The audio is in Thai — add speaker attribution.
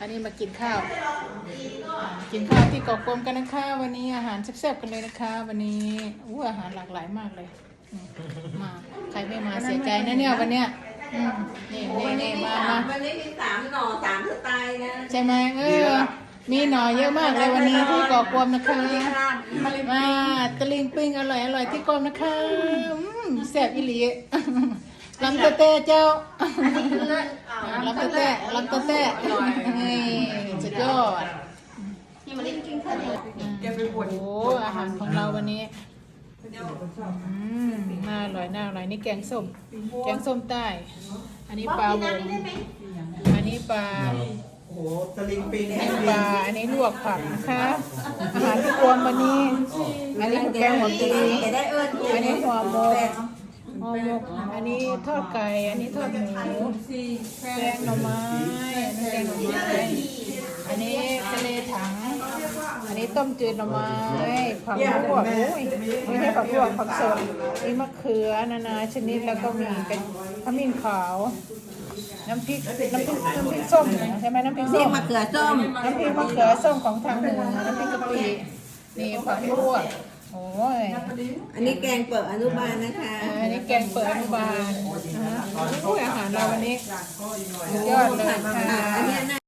Speaker 1: นนี้มากินข้าวที่เกาะกลมกันนะคะวันนี้อาหารแซ่บๆกันเลยนะคะวันนี้อาหารหลากหลายมากเลยมาใครไม่มาเสียใจนะเนี่ยวันเนี้ยนี่มา
Speaker 2: วันนี้มี3 หน่อ 3 สไตล์นะ
Speaker 1: ใช่ไหมมีหน่อเยอะมากเลยวันนี้ที่เกาะกลมนะคะมาตะลิงปิ้งอร่อยที่เกาะนะคะแซ่บอีหลีลำเต้เจ้าลำเต้สุดยอดโอ้อาหารของเราวันนี้น่าอร่อยนี่แกงส้มใต้อันนี้ปลาวงอันนี้ปลา
Speaker 3: โอ้ตะลิงปิง
Speaker 1: อันนี้ลวกผักนะคะอาหารที่รวมวันนี้อันนี้แกงหัวปีอันนี้หัวหมกอันนี้ทอดไก่อันนี้ทอดหมูแกงหน่อไม้อันนี้ทะเลถังอันนี้ต้มจืดหน่อไม้ผักลวกไม่ใช่ผักลวกผักสดมีมะเขือนานาชนิดแล้วก็มีเป็นขมิ้นขาวน้ำพริกส้มใช่ไหมน้ำพริกส้ม
Speaker 2: มะเขือส้ม
Speaker 1: น้ำพริกมะเขือส้มของทางเหนือน้ำพริกกะปินี่ผักลวก
Speaker 2: อันนี้แกงเปิดอนุบาลนะคะ
Speaker 1: อันนี้แกงเปิดอนุบาลอาหารเราวันนี้ยอดเลยค่ะ